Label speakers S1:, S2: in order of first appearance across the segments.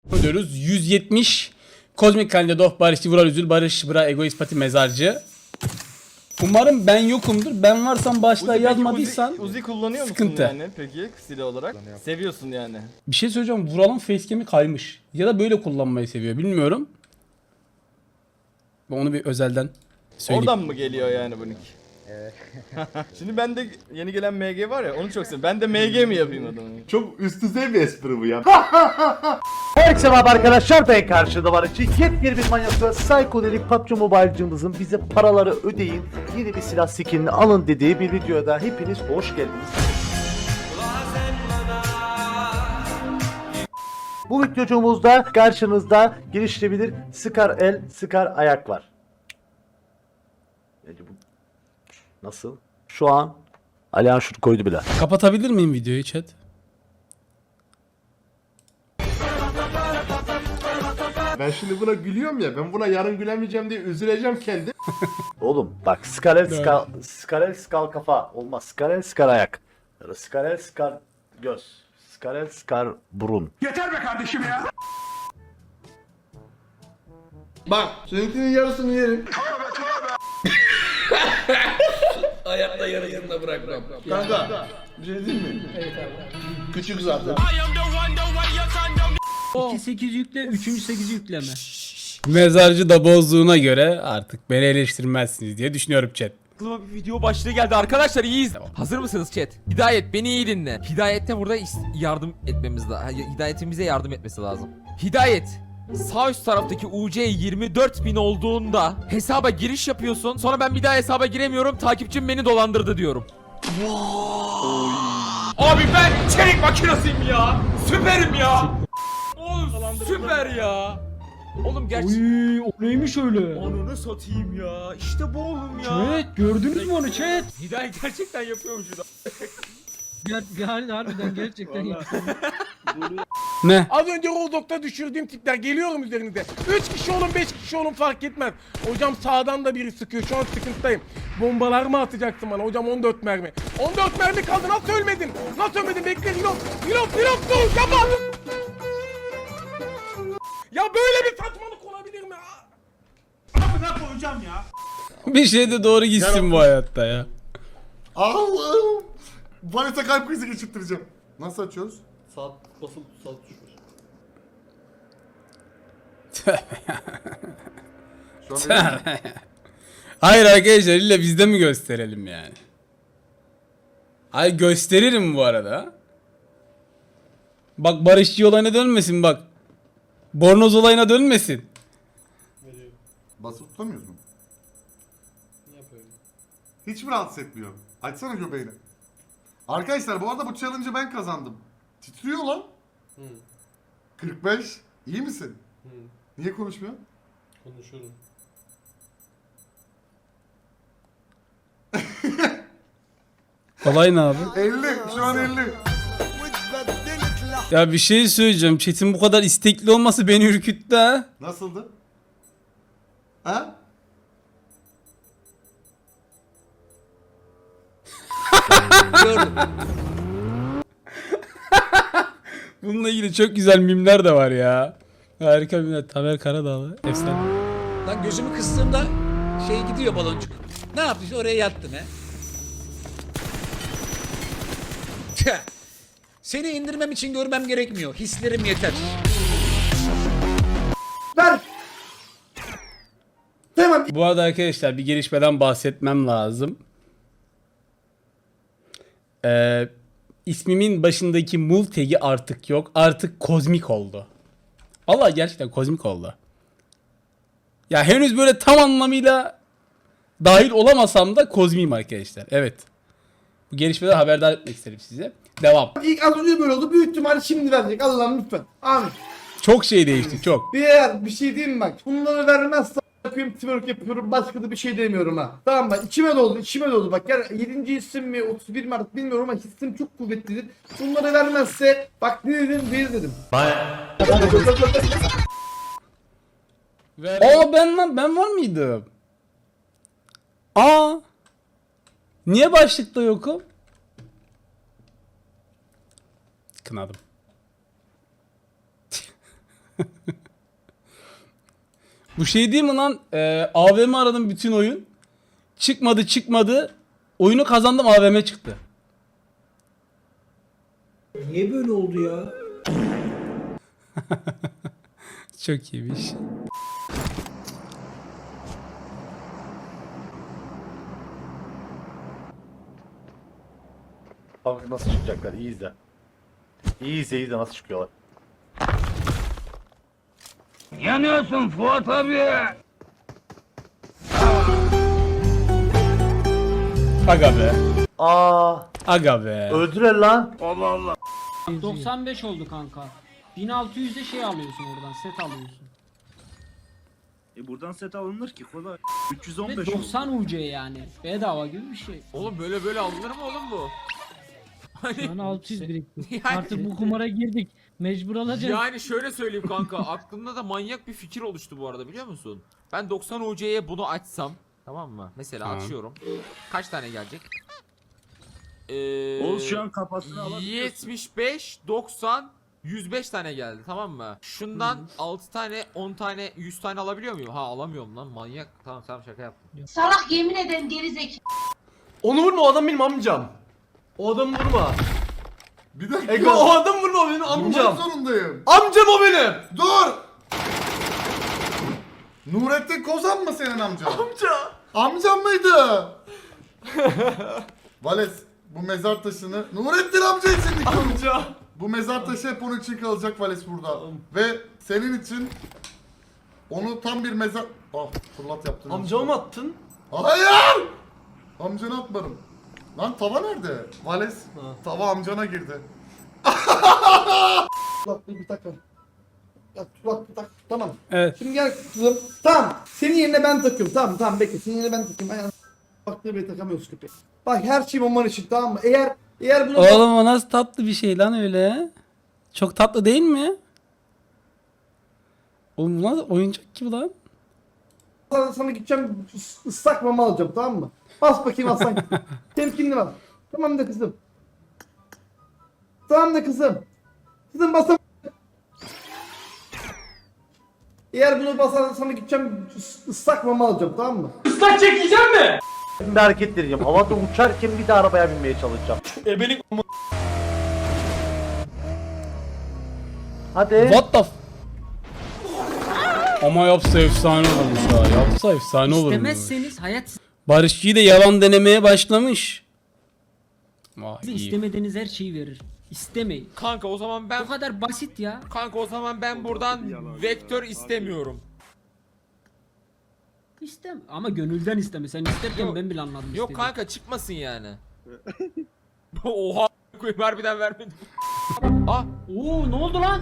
S1: Diyoruz 170 Kozmik Kalende Doh Barış Vural Üzül Barış Bra Egoist Pati Mezarcı. Umarım ben yokumdur. Ben varsam başlığa
S2: Uzi,
S1: yazmadıysan
S2: Uzi kullanıyor musun
S1: sıkıntı.
S2: yani peki silah olarak? Seviyorsun yani.
S1: Bir şey söyleyeceğim. Vural'ın facecam'i kaymış. Ya da böyle kullanmayı seviyor. Bilmiyorum. Onu bir özelden söyleyeyim.
S2: Oradan mı geliyor yani bu nick? Evet. Şimdi bende yeni gelen MG var ya onu çok seviyorum. Ben de MG mi yapayım adamı?
S3: Çok üst düzey bir espri bu ya.
S4: Herkese merhaba arkadaşlar, ben karşıda var için yepyeni bir manyakla Psychodelik PUBG Mobile'cımızın bize paraları ödeyin, yeni bir silah skinini alın dediği bir videoda hepiniz hoş geldiniz. Bu videocumuzda karşınızda geliştirebilir Scar el, Scar ayak var. Nasıl? Şu an Alihan şunu koydu bile.
S1: Kapatabilir miyim videoyu chat?
S3: Ben şimdi buna gülüyorum ya. Ben buna yarın gülemeyeceğim diye üzüleceğim kendi.
S4: Oğlum bak Skarel skal kafa olmaz. Skarel skar ayak. Ya da Skarel skar göz. Skarel skar burun.
S3: Bak, seninkinin yarısını yerim.
S5: Hayatta yarısını bırakmam.
S3: Kanka, bir şey diyeyim mi? Evet abi. Küçük zaten.
S6: 2-8 yükle, 3. 8 yükleme.
S1: Mezarcı da bozduğuna göre artık beni eleştirmezsiniz diye düşünüyorum chat.
S7: Aklıma bir video başlığı geldi arkadaşlar, iyiyiz. Hazır mısınız chat? Hidayet beni iyi dinle. Hidayet'te burada yardım etmemiz lazım. Hidayet'imize yardım etmesi lazım. Hidayet, sağ üst taraftaki UC 24.000 olduğunda hesaba giriş yapıyorsun. Sonra ben bir daha hesaba giremiyorum. Takipçim beni dolandırdı diyorum. Abi ben çelik makinasıyım ya. Süperim ya. Oğlum süper ya. Oğlum gerçekten.
S6: Uy, o neymiş öyle?
S7: Ananı satayım ya. İşte bu oğlum ya.
S6: Chat, gördünüz mü onu chat?
S7: Hidayet gerçekten yapıyormuş da.
S6: Yani harbiden gerçekten yapıyor.
S1: Ne?
S8: Az önce Rozdok'ta düşürdüğüm tipler geliyorum üzerinize. 3 kişi olun 5 kişi olun fark etmez. Hocam sağdan da biri sıkıyor şu an sıkıntıdayım. Bombalar mı atacaksın bana hocam 14 mermi. 14 mermi kaldı nasıl ölmedin? Nasıl ölmedin bekle reload. Reload dur yapma. Ya böyle bir saçmalık olabilir mi? Amına koyacağım ya.
S1: Bir şey de doğru gitsin bu hayatta ya.
S3: Allah'ım. Valete kalp krizi geçirttireceğim. Nasıl açıyoruz?
S5: Sağ basılı sağ tuş var.
S3: Şu an benim...
S1: Hayır arkadaşlar illa bizde mi gösterelim yani? Hayır gösteririm bu arada. Bak barışçı olayına dönmesin bak. Bornoz olayına dönmesin.
S3: Basıp tutamıyoruz mu?
S5: Ne yapıyorum?
S3: Hiç mi rahatsız etmiyor? Açsana göbeğini. Arkadaşlar bu arada bu challenge'ı ben kazandım. Titriyor lan. 45. İyi misin? Niye konuşmuyor?
S5: Konuşuyorum.
S1: Olay ne abi?
S3: 50. Şu an 50.
S1: Ya bir şey söyleyeceğim. Chat'in bu kadar istekli olması beni ürküttü ha.
S3: Nasıldı? Ha?
S5: Gördüm.
S1: Bununla ilgili çok güzel mimler de var ya. Harika mimler. Tamer Karadağlı. Efsane.
S5: Lan gözümü kıstığımda şey gidiyor baloncuk. Ne yaptın? Oraya yattın he. Tüh. Seni indirmem için görmem gerekmiyor. Hislerim yeter.
S1: Bu arada arkadaşlar bir gelişmeden bahsetmem lazım. İsmimin başındaki mul tag'i artık yok. Artık kozmik oldu. Vallahi gerçekten kozmik oldu. Ya henüz böyle tam anlamıyla dahil olamasam da kozmiyim arkadaşlar. Evet. Bu gelişmeden haberdar etmek isterim size. Devam.
S9: İlk az önce böyle oldu. Büyük ihtimalle şimdi verecek. Allah'ım lütfen. Amin.
S1: Çok şey değişti çok.
S9: Bir şey diyeyim mi bak. Bunları vermezse yapıyorum, twerk yapıyorum. Başka da bir şey demiyorum ha. Tamam bak içime doldu. Bak gel 7. hissim mi 31 mi artık bilmiyorum ama hissim çok kuvvetlidir. Bunları vermezse bak ne dedim bir dedim.
S1: Aa ben var mıydım? Aa. Niye başlıkta yokum? Kınadım. Bu şey değil mi lan? AVM aradım bütün oyun. Çıkmadı. Oyunu kazandım, AVM çıktı.
S6: Niye böyle oldu ya?
S1: Çok iyiymiş.
S4: Bak nasıl çıkacaklar, iyi izle. İyi izle nasıl çıkıyorlar.
S6: Yanıyorsun Fuat abi.
S1: Aga be.
S4: Aga
S1: be.
S4: öldüler lan.
S6: 95 oldu kanka. 1600'de şey alıyorsun oradan, set alıyorsun.
S9: Buradan set alınır ki kolay.
S6: Ve
S9: 315
S6: 90 UC yani. Bedava gibi bir şey.
S7: Oğlum böyle alınır mı oğlum bu?
S6: Şu an 600 birikti.
S7: Yani-
S6: Artık bu kumara girdik. Mecbur alacağız.
S7: Yani şöyle söyleyeyim kanka, aklımda da manyak bir fikir oluştu bu arada, biliyor musun? Ben 90 UC'ye bunu açsam, tamam mı? Mesela
S1: Tamam.
S7: açıyorum. Kaç tane gelecek?
S9: Oğuz şu an kafasını alabiliyorsun.
S7: 75, 90, 105 tane geldi, tamam mı? Şundan 6 tane, 10 tane, 100 tane alabiliyor muyum? Ha, alamıyorum lan, manyak. Tamam şaka yaptım.
S10: Salak, yemin ederim gerizekalı.
S2: Onu vurma, o adam benim amcam. O adamı vurma.
S3: Bir dakika.
S2: Ego, o adam vurma, o benim
S3: Durmak
S2: amcam.
S3: zorundayım.
S2: Amcam o benim.
S3: Dur! Nurettin Kozan mı senin amcan?
S2: Amca.
S3: Amcam mıydı? Vales, bu mezar taşını Nurettin amca için dikiyorum.
S2: Amca.
S3: Bu mezar taşı hep onun için kalacak Vales burada. Ve senin için onu tam bir mezar... Ah, fırlat yaptın.
S2: Amcama mı attın?
S3: Hayır! Amcana atmadım. Lan tava nerede? Vales, tava amcana girdi.
S9: Bak bir takım. Bak bir tak. Tamam.
S1: Evet.
S9: Şimdi gel kızım. Tamam. Senin yerine ben takıyorum. Tamam bekle. Senin yerine ben takıyorum. Aynen. Baktığı beni takamıyorsun köpek. Bak her şey bomban için, tamam mı? Eğer bunu
S1: Oğlum o nasıl tatlı bir şey lan öyle? Çok tatlı değil mi? Oğlum bu nasıl oyuncak gibi lan?
S9: sana gideceğim ıslak mama alacağım, tamam mı? Bas bakayım aslan. Temkinli bas. Tamam da kızım. Tamam da kızım. Kızım basam. Eğer bunu basarsan sana gideceğim ıslak mama alacağım, tamam mı?
S4: Bir hareket deneyeceğim. Havada uçarken bir de arabaya binmeye çalışacağım.
S2: Ebelik
S4: Hadi.
S1: What the Ama yapsa efsane olurmuş ha. Yapsa efsane olurmuş.
S6: İstemezseniz hayat
S1: Barışçı'yı da yalan denemeye başlamış. Vay
S6: size
S1: iyi.
S6: istemediğiniz her şeyi verir. İstemeyin.
S7: Kanka o zaman ben
S6: Bu kadar basit ya.
S7: buradan vektör istemiyorum.
S6: Ama gönülden isteme. Sen isterken
S7: Yok.
S6: ben bile anladım.
S7: Yok
S6: istediğini.
S7: kanka, çıkmasın yani. Oha, koyayım, harbiden vermedim. Ah,
S6: Oo, ne oldu lan?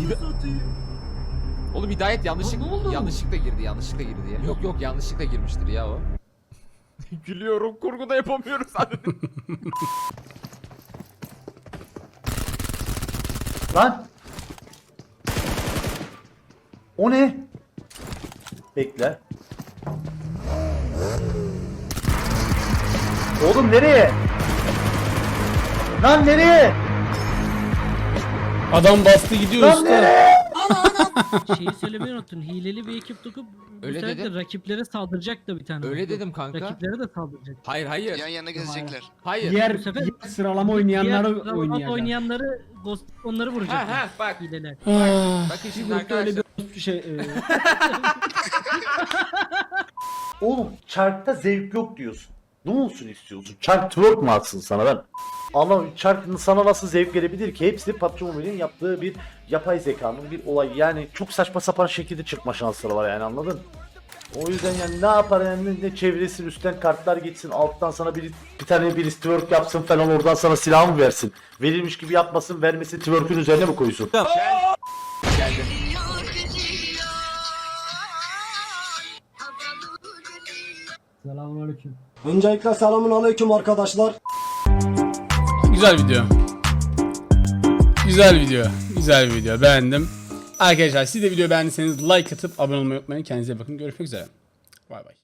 S7: oğlum Hidayet
S6: Ne oldu?
S7: yanlışlıkla girdi ya. Yok yanlışlıkla girmiştir ya o. Gülüyorum, kurguda yapamıyoruz zaten.
S4: Lan. O ne? Bekle. Oğlum nereye? Lan nereye?
S1: Adam bastı gidiyor
S4: Lan
S1: usta.
S4: nereye?
S6: Şeyi söylemeyi unuttun. Hileli bir ekip tutup
S7: Öyle
S6: bu sefer de
S7: dedim.
S6: rakiplere saldıracak da bir tane.
S7: Öyle dedim kanka.
S6: Rakiplere de saldıracak.
S7: Hayır.
S10: yana gezecekler.
S7: Hayır.
S6: Diğer bu sefer
S1: Sıralama
S6: oynayanları onları vuracak.
S7: Ha bak.
S6: Hileler.
S7: Bakın şimdi arkadaşlar.
S4: Oğlum çarkta zevk yok diyorsun. Ne olsun istiyorsun? Çark twerk mu atsın sana ben? Ama çarkın sana nasıl zevk gelebilir ki? Hepsi PUBG Mobile'in yaptığı bir yapay zekanın bir olay. Yani çok saçma sapan şekilde çıkma şansları var yani, anladın? O yüzden yani ne yapar yani, ne çevresin, üstten kartlar geçsin, alttan sana bir tane bir twerk yapsın falan, oradan sana silah mı versin? Verilmiş gibi yapmasın, vermesi twerk'ün üzerine mi koysun?
S6: Selamünaleyküm.
S9: Öncelikle selamun aleyküm arkadaşlar.
S1: Güzel video. Güzel video. Beğendim. Arkadaşlar siz de videoyu beğendiyseniz like atıp abone olmayı unutmayın. Kendinize bakın. Görüşmek üzere. Bay bay.